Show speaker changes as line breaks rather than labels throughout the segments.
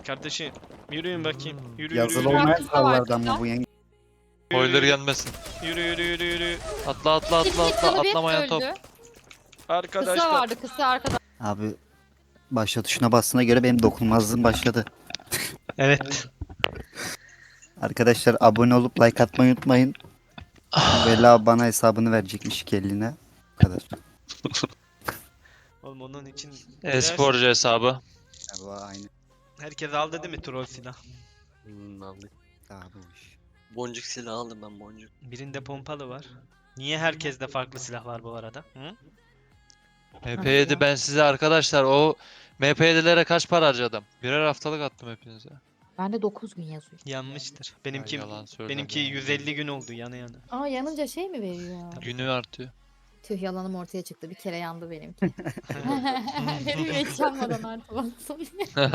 Kardeşim yürüyün bakayım. Yürü
Yazılı
yürü yürü.
olmayan kurallardan mı bu yenge?
Spoiler gelmesin.
Yürü yürü yürü yürü.
Atla atla atla atla atlamayan top.
Kısa
Arkadaşlar.
vardı, kısa arkada.
Abi başla tuşuna bastığına göre benim dokunulmazlığım başladı.
Evet.
Arkadaşlar abone olup like atmayı unutmayın. Vela bana hesabını verecekmiş iki eline. Bu kadar.
Oğlum onun için
E-sporcu hesabı.
Allah aynı.
herkes aldı değil mi troll silah?
Aldık.
Daha bu iş.
Boncuk silahı aldım ben boncuk.
Birinde pompalı var. Niye herkeste farklı silah var bu arada? Hı?
MP7 ben size arkadaşlar o MP7'lere kaç para harcadım? Birer haftalık attım hepinize.
Bende 9 gün yazıyor.
Yanmıştır.
Ay,
Benimki
yalan söyleme
benimki
ya.
150 gün oldu yana yana.
Aa yanınca şey mi veriyor?
Günü artıyor.
Tüh yalanım ortaya çıktı. Bir kere yandı benimki. Benim hiç yanmadan artık baksın.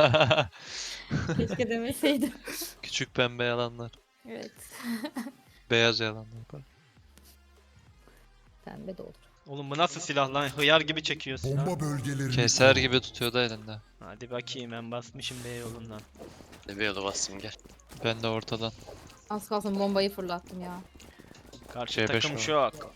Keşke demeseydim.
Küçük pembe yalanlar.
Evet.
Beyaz yalanlar. Pardon.
Pembe de olur.
Oğlum bu nasıl silah lan? Hıyar gibi çekiyor silah.
Bomba bölgelerini
Keser
koru.
gibi tutuyordu elinde.
Hadi bakayım ben basmışım B yolundan.
Bir yola bastım gel.
Ben de ortadan.
Az kalsın bombayı fırlattım ya.
Karşı
C5
takım
var.
şok.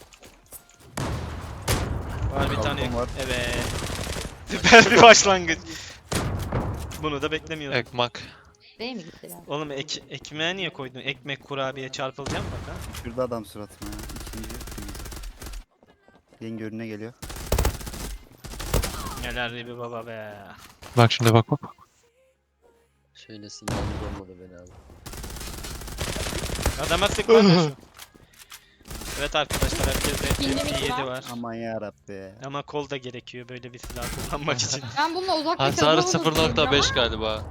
Var bir tane.
Kalkan var.
Evet. Süper bir başlangıç. Bunu da beklemiyordum.
Ekmak.
Değil mi gittiler?
Oğlum ekmeğe niye koydun? Ekmek kurabiye çarpılacağım bak ha.
Şurada adam suratıma ya. İkinci. Yenge önüne geliyor.
Neler bir baba be.
Bak şimdi bak bak.
Şöyle silahımız olmadı beni abi.
Adama sıkma. Evet arkadaşlar herkeste
Pingli mi
MP7
var?
var.
Aman yarabbi.
Ama kol da gerekiyor böyle bir silah kullanmak için.
Ben bununla uzak
Hasarı
mesafe vururdum
0.5 galiba.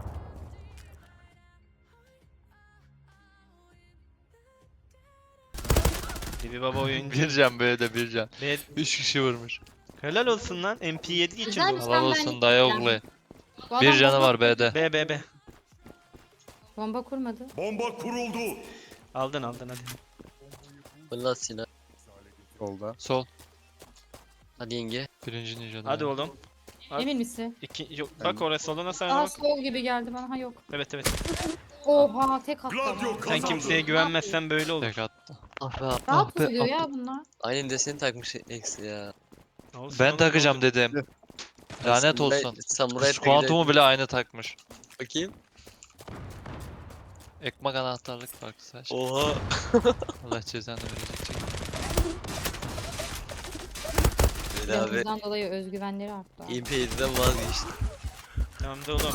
Bir baba oyuncu.
Bir can B'de bir can.
Be
3 kişi vurmuş.
helal olsun lan MP7 için
Güzelmiş.
bu.
Helal
ben
olsun dayı oğlu.
Bu adam
Bir canı
bomba-
var B'de.
B.
Bomba kurmadı.
Bomba kuruldu.
Aldın hadi.
Fırlat silah.
Solda.
Sol.
Hadi yenge.
Birinci ninja'da.
Hadi oğlum. Abi-
Emin misin?
Yok bak oraya soluna sana
Aa
bak.
sol gibi geldi bana. Ha yok.
Evet.
Oha tek attı
Gladio
ama.
Sen
kazandı.
kimseye güvenmezsen böyle olur.
Tek attı.
Ah be.
Rahat
be,
tutuyor
ah
ya bunlar.
Aynen deseni takmış eksi ya.
Olsun
Ben
oğlum,
takacağım
ne olacak?
dedim. Lanet olsun.
Samuray
Kız kuantumu bile aynı takmış.
Bakayım.
Ekmek anahtarlık farklı saç.
Oha.
Allah cezanı verecek.
Beni abi.
Yanımızdan dolayı özgüvenleri arttı.
MP7'den vazgeçti.
Tamam da oğlum.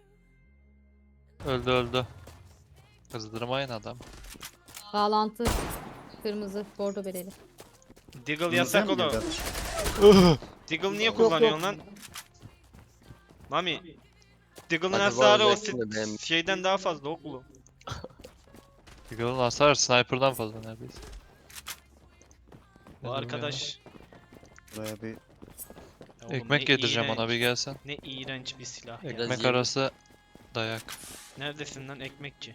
Öldü. Kızdırmayın adam.
Bağlantı. Kırmızı, bordo bereli.
Deagle yasak
Kırmızıya mı
oğlum.
girdi?
Deagle niye kullanıyorsun lan? Mami. Deagle'ın
Hadi
hasarı o
vazgeçtim de ben-
şeyden daha fazla oğlum.
Eagle'ın hasar sniper'dan fazla neredeyse.
Bu arkadaş.
Buraya bir
Ya oğlum
Ekmek
ne
yedireceğim ona
iğrenç-
bir gelsen.
Ne iğrenç bir silah ya.
Biraz
Ekmek
yiyeyim.
arası dayak.
Neredesin lan ekmekçi?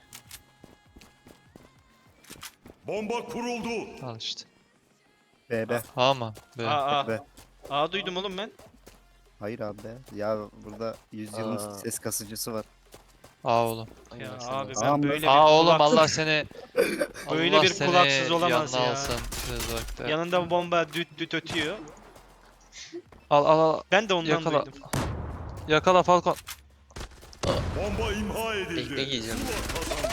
Bomba kuruldu.
Al işte.
B.
A mı? B.
Aa.
B.
Aa duydum oğlum ben.
Hayır abi be. Ya burada yüzyılın
Aa.
ses kasıcısı var.
A oğlum.
Ya
Aynen sen
abi
de.
ben
Aa,
böyle
A
bir
oğlum
kulak-
Allah seni
Böyle
Allah
bir
seni
kulaksız olamaz
yanına
ya.
alsın. Söz vakti.
Yanında bomba düt ötüyor.
Al.
Ben de ondan
Yakala.
duydum.
Yakala Falcon.
Bomba imha edildi.
Ekmek yiyeceğim.
Zula kazandı.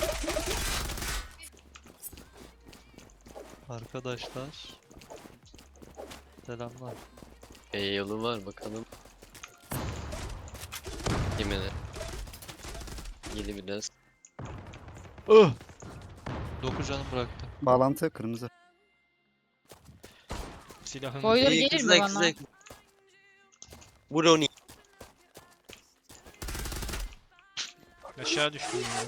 Arkadaşlar. Selamlar.
Yolu var bakalım. Yemedi. Yedi biraz.
9 canım bıraktı.
Bağlantı kırmızı.
Silahın.
Boiler
İyi,
gelir mi
kızlar,
bana?
kızlar. Vur onu.
Aşağı düştüm ya.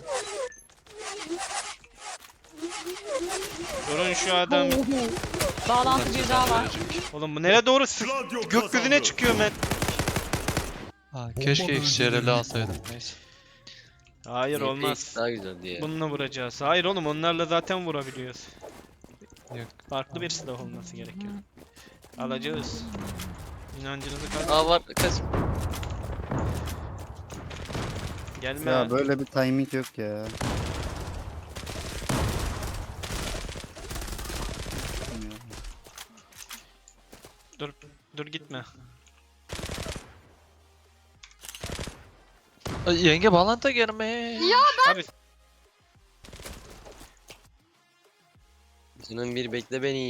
Durun şu adam.
Bağlantı bir daha var.
Oğlum bu nereye doğru sık?
Gladio
Gökyüzüne
kazandı.
çıkıyor ben.
Ha, keşke XCR'li alsaydım. Neyse.
Hayır
MP
olmaz.
daha güzel diye.
Bununla vuracağız. Hayır oğlum onlarla zaten vurabiliyoruz.
Yok.
Farklı bir silah olması gerekiyor. Alacağız. İnancınızı kaybedin.
Aa var kaç.
Gelme.
Ya böyle bir timing yok ya.
Dur gitme.
Ay, yenge bağlantı girme.
Abi
Canım bir bekle beni.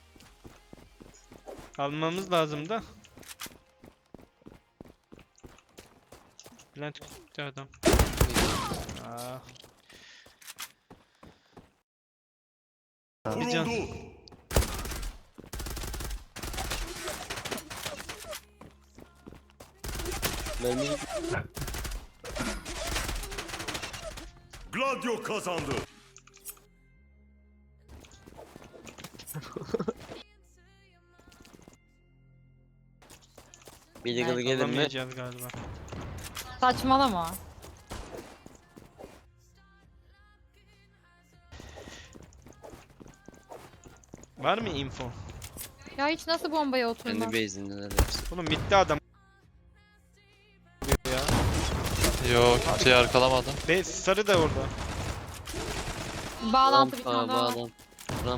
almamız lazım da. Bülent gitti adam. Aa, bir can.
Kuruldu.
Mermi
Gladio kazandı.
bir yıkılı gelir mi?
Alamayacağız galiba.
Saçmalama.
Var mı info?
Ya hiç nasıl bombaya
Kendi
oturmaz?
base'indeler hepsi.
Oğlum bitti adam. Ya.
Yok kimseyi arkalamadı.
Sarı da orada.
Bağlantı bir
Rampa,
tane daha var.
bağlan. Ram.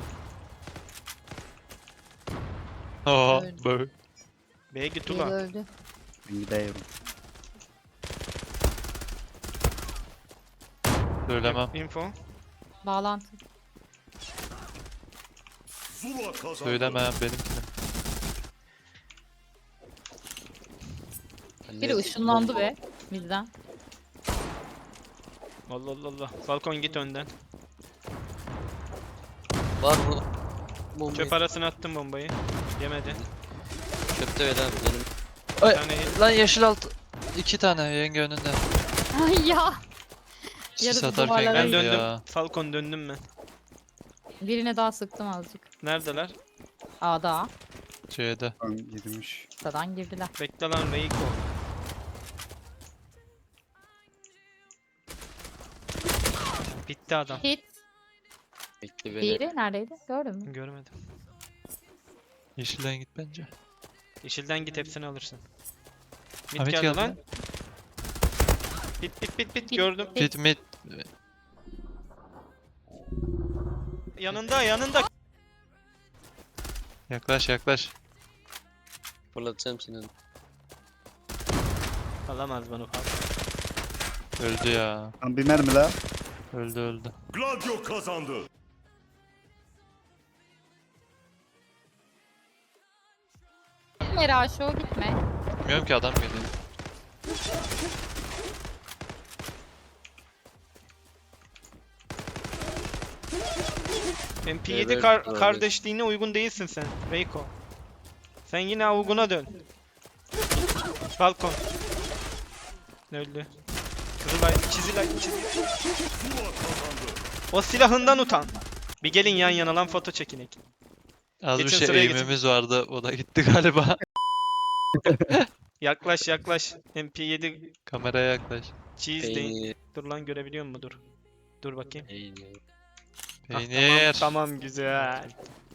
Oha
Öldü.
böyle.
B'ye git
Biri
ulan.
öldü.
Ben gidiyorum.
Söylemem.
Info.
Bağlantı.
Zula kazandı.
Söylemem benimkine.
Biri ışınlandı be bizden.
Allah Allah Allah. Falcon git önden.
Var burada. Bombayı.
Çöp arasına attım bombayı. Yemedi.
Çöpte ver abi benim.
Bir
Ay,
tane hit.
lan yeşil alt. 2 tane yenge önünde.
Ay ya.
Sis
Yarısı
atarken
duvarlara
Ben
geldi
döndüm.
ya.
Falcon döndüm ben.
Birine daha sıktım azıcık.
Neredeler?
A'da.
C'de.
Tam girmiş.
A'dan girdiler.
Bekle lan Reiko. Bitti adam.
Hit.
Bekle beni.
Diğeri neredeydi? Gördün mü?
Görmedim.
Yeşilden git bence.
Yeşilden git hepsini alırsın. Mid
Ahmet
geldi
geldi.
lan. Bit
Bit.
gördüm.
Git mid.
Yanında.
Yaklaş yaklaş.
Fırlatacağım seni.
Alamaz bunu Falcon.
Öldü ya.
Tam bir mermi la.
Öldü.
Gladio kazandı.
Gitme Raşo gitme.
Bilmiyorum ki adam geliyor.
MP7
Evet, doğru.
kardeşliğine uygun değilsin sen Reiko. Sen yine avuguna dön. Falcon. Öldü. Kızılay, Çizilay.
Zula kazandı.
O silahından utan. Bir gelin yan yana lan foto çekinek.
Az bir
Geçin
şey
sıraya geçin.
eğimimiz vardı. O da gitti galiba.
Yaklaş. MP7
Kameraya yaklaş.
cheese değil.
Peynir.
Dur lan görebiliyor musun? Dur. Dur bakayım.
Peynir.
Ah,
Peynir.
tamam güzel.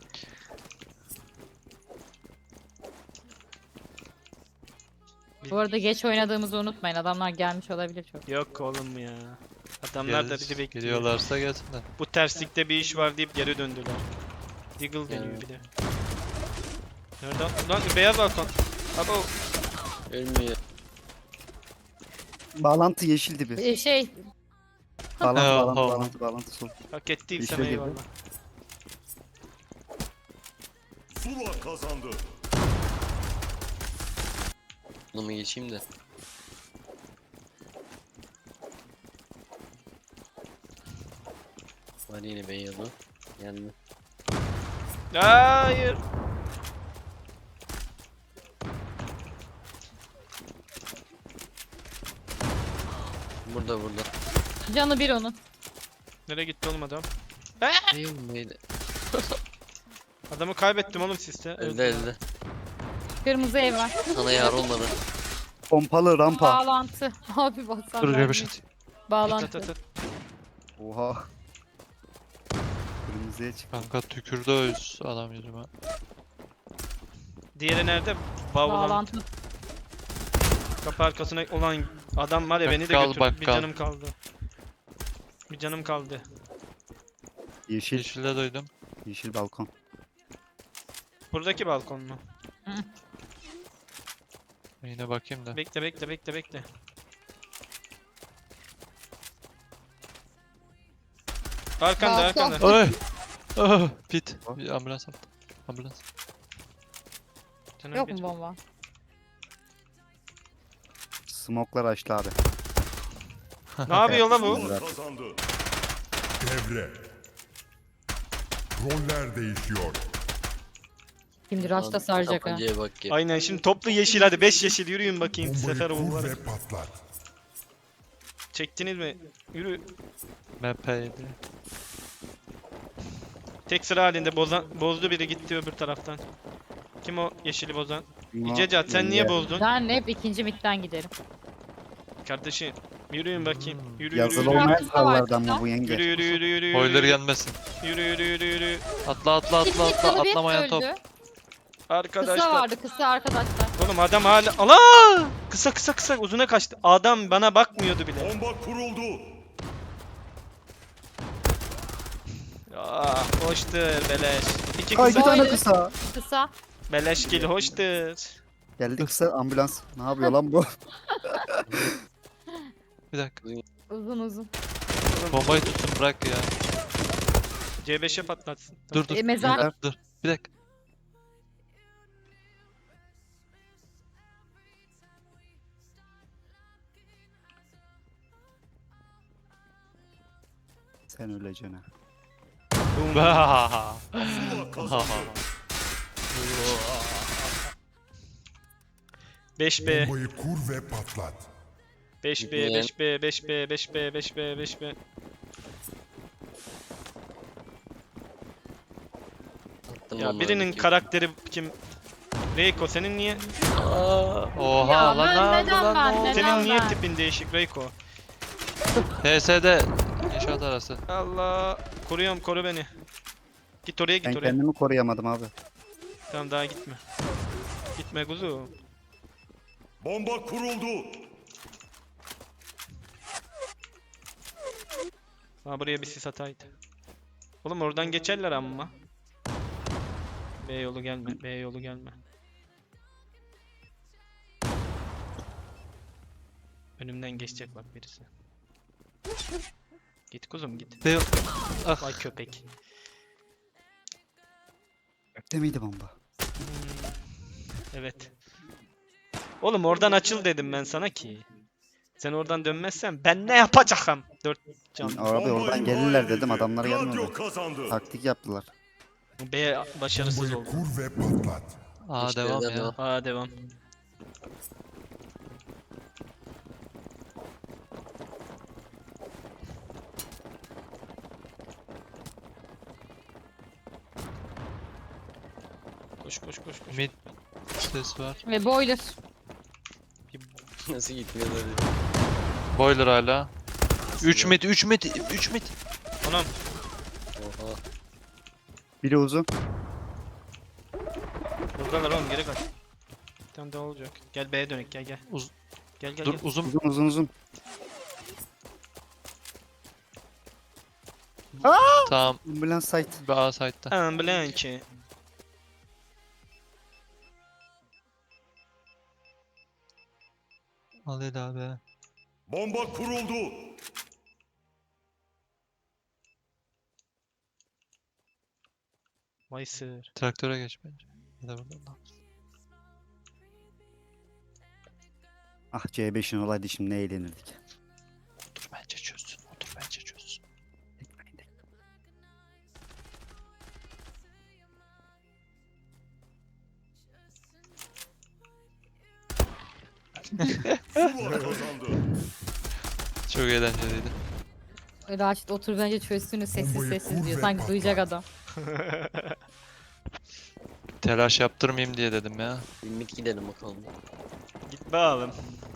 Bu arada geç oynadığımızı unutmayın. Adamlar gelmiş olabilir çok.
Yok oğlum ya. Adamlar da bizi bekliyor.
Geliyorlarsa gelsinler.
Bu terslikte bir iş var deyip geri döndüler. Deagle deniyor
Yani.
bir de. Nerede? Lan beyaz balkon. Abo.
Ölmüyor.
Bağlantı yeşildi bir.
Şey
Bağlantı sol.
Hak ettiysem
İşe girdi.
eyvallah.
Zula kazandı.
Bunu mu geçeyim de. Var yine beyazı. Geldi.
Hayır.
Burada.
canı bir onun.
Nereye gitti oğlum adam?
Değil mi? Neydi?
Adamı kaybettim oğlum siste.
Elde.
Kırmızı ev var.
Sana yar olmadı.
Pompalı rampa.
Bağlantı. Abi baksana.
Dur göbüş at.
Bağlantı.
At.
Oha. Kırmızıya çık.
Kanka tükürdü öz adam yüzüme.
Diğeri nerede? Bavlan.
Bağlantı.
Kapı arkasına olan Adam var ya beni de
Bakkal,
götürdü. Bir
bakkal.
canım kaldı. Bir canım kaldı.
Yeşil.
Yeşilde duydum.
Yeşil balkon.
Buradaki balkon mu?
Yine bakayım da.
Bekle bekle bekle bekle. Arkanda
Balkon.
arkanda.
Oy! Oh, pit. Bir ambulans attı. Ambulans.
Canım
Yok
geç.
mu bomba?
Smoklar açtı abi.
Ne yapıyor lan bu?
Zula kazandı.
Devre. Roller değişiyor.
Şimdi Raş'ta saracak ha.
Tabancaya bak ya.
Aynen şimdi toplu yeşil hadi 5 yeşil yürüyün bakayım
Bombayı
sefer
kur
oğulları.
ve patlat.
Çektiniz mi? Yürü.
MP7.
Tek sıra halinde bozdu biri gitti öbür taraftan. Kim o yeşili bozan? İcecat sen niye bozdun?
Ben hep ikinci midden giderim.
Kardeşim yürüyün bakayım. Yürü yürü
Yazılı
yürü.
olmayan
Kısa var,
kurallardan
kısa.
mı bu yenge?
Yürü yürü yürü yürü.
Boiler gelmesin.
Yürü yürü yürü yürü.
Atla atla
Mid
atla
mid
atla.
canı bir
Atlamayan top.
öldü. Kısa
Arkadaşlar.
vardı kısa arkadaşlar.
Oğlum adam hala... Allah! Kısa kısa kısa uzuna kaçtı. Adam bana bakmıyordu bile.
Bomba kuruldu.
Ah hoştur beleş. İki
Ay bir
kısa.
tane
Boiler.
kısa.
Kısa.
Beleş gel hoştur.
Geldi kısa ambulans. Ne yapıyor lan bu?
Bir dakika.
Uzun uzun.
Bombayı tutsun bırak ya.
C5'e patlatsın.
Dur dur.
Mezar.
Dur. Bir dakika.
Sen öleceksin ha.
Zula kazandı.
5B,
Bombayı kur ve patlat.
5B, 5B, 5B, 5B, 5B, 5B.
Attım
Ya
bombayı
birinin
bakayım.
karakteri kim? Reiko senin niye?
Oha
Ya
lan ne
ben
oldu
neden
lan
ben,
ne oldu?
neden?
Senin niye
ben?
tipin değişik Reiko?
TS'de inşaat arası.
Allah koruyorum koru beni. Git oraya
Ben
git oraya.
kendimi koruyamadım abi.
Tamam daha gitme. Gitme kuzu.
Bomba kuruldu.
Ha buraya bir sis ataydı. Oğlum oradan geçerler ama. B yolu gelme, B yolu gelme. Önümden geçecek bak birisi. Git kuzum git.
Ve ah
Vay köpek.
Gökte miydi bomba?
Evet. Oğlum oradan açıl dedim ben sana ki. Sen oradan dönmezsen ben ne yapacağım? 4 can.
Abi
Bomba
oradan
imha
gelirler
edildi.
dedim adamlar
Radyo
gelmedi.
kazandı.
Taktik yaptılar.
B başarısız
Bombayı
oldu.
kur ve patlat.
aa
İşte
devam
yerden
ya.
devam.
Aa devam. Koş koş koş koş.
Mid ses var.
Ve boiler.
Nasıl gitmiyor böyle?
Boiler hala. 3 mid 3 mid 3 mid.
Anam.
Oha.
Biri uzun.
Buradalar oğlum geri kaç. Bir tane daha olacak. Gel B'ye dönek gel gel.
Uz-
Gel gel
Dur
gel.
uzun.
Uzun uzun uzun.
Tamam.
Ambulans site.
Bir A site'da.
Ambulance.
Al Eda abi.
Bomba kuruldu.
Vay sır.
Traktöre geç bence. Ya da buradan.
Ah C5'in olaydı şimdi ne eğlenirdik.
Otur bence çözsün. Otur bence çözsün.
Zula kazandı.
Çok eğlenceliydi.
Raşit otur bence çözsün sessiz
Bombayı
sessiz
kur
diyor.
ve
Sanki duyacak
patlat.
adam.
Telaş yaptırmayayım diye dedim ya.
Bir mid gidelim bakalım.
Git be oğlum.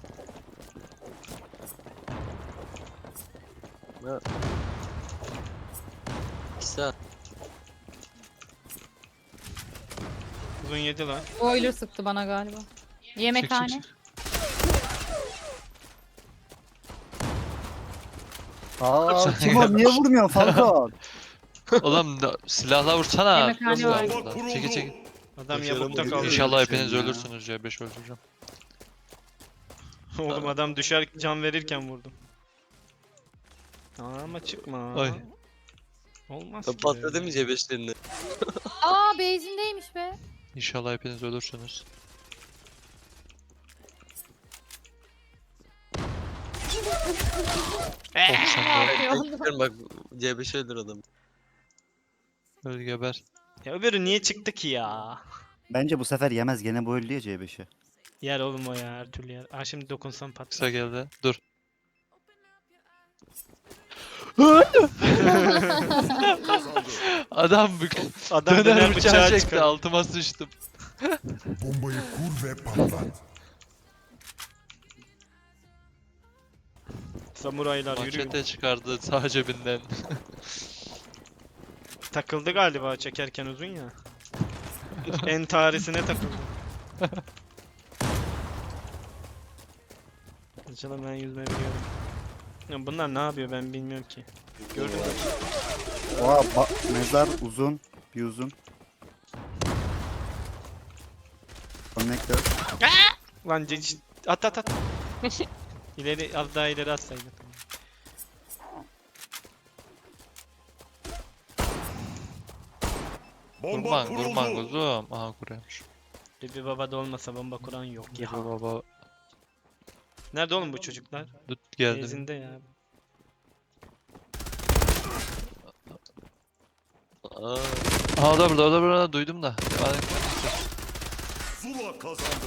Ha. Kısa.
Uzun yedi lan.
Boiler sıktı bana galiba. Yemekhane.
Çık, çık, çık.
Aa Timur niye vurmuyorsun Falcon?
Oğlum silahla vursana.
Yemekhane
Nasıl
var.
burada? Çekil çekil.
Adam
Başaramadı.
yabukta kaldı.
İnşallah
bir
hepiniz
şey ya.
ölürsünüz C5 öldüreceğim.
Oğlum adam düşer can verirken vurdum. Ama çıkma.
Ay.
Olmaz
Ben
ki.
patladı mı C5'lerini?
Aa base'indeymiş be.
İnşallah hepiniz ölürsünüz. Oh sen de
Bekliyorum bak C5 öldür adam.
öl geber.
Ya öbürü niye çıktı ki ya?
Bence bu sefer yemez gene bu öldü ya C5'i.
Yer oğlum o ya her türlü yer. Aa şimdi dokunsam patlar.
Kısa geldi. Dur.
Kazandı.
Adam
Adam
döner bıçağı çekti
çıkar.
altıma sıçtım.
Bombayı kur ve patlat.
Samuraylar yürüyor.
Manşete çıkardı sağ cebinden.
Takıldı galiba çekerken uzun ya. Entaresine takıldı. Açalım ben yüzme biliyorum. Ya bunlar ne yapıyor ben bilmiyorum ki. Gördün mü?
Oha mezar uzun. Bir uzun. Connector.
Lan at at at. İleri az daha ileri atsaydın.
Bomba
Kurban kurban
kuruldu.
kuzum. Aha kuruyormuş.
Bibi baba da olmasa bomba kuran yok ya.
Ya baba
Nerede oğlum bu çocuklar?
tut geldi.
Gezinde ya.
Aa,
Aha o da burada o da burada duydum da. Devam et.
Zula kazandı.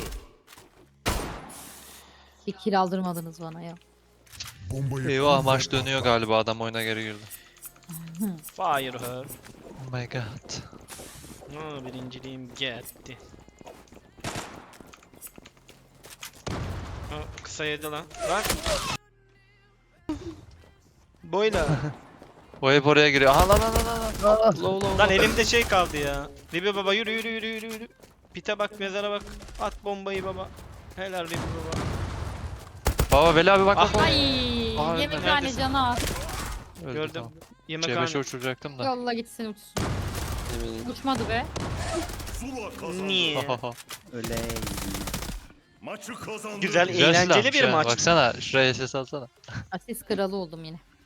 Bir kill aldırmadınız bana ya.
Bombayı
Eyvah
kur
maç
ve
dönüyor
patlat.
galiba adam oyuna geri girdi.
Fire her.
Oh my god.
Aa, birinciliğim gitti. Aa, kısa yedi lan. Lan. Boyla.
O hep oraya giriyor. Aha lan lan lan lan. Low low
Lan
low.
elimde şey kaldı ya. Bibi baba yürü yürü yürü yürü yürü. Pite bak mezara bak. At bombayı baba. Helal Bibi baba.
Baba Veli abi bak bak.
Ah.
bak.
Ay
Aa,
yemekhane
neredesin?
canı az.
Öldü,
Gördüm.
tamam.
Yemekhane.
C5'e uçuracaktım da.
Yolla gitsin uçsun.
eminim.
Uçmadı be.
Zula kazandı.
Niye?
Öyle.
Maçı kazandı.
Güzel,
Güzel
eğlenceli
silahmış
bir
ha.
maç.
Baksana şuraya ses alsana.
Asist kralı oldum yine.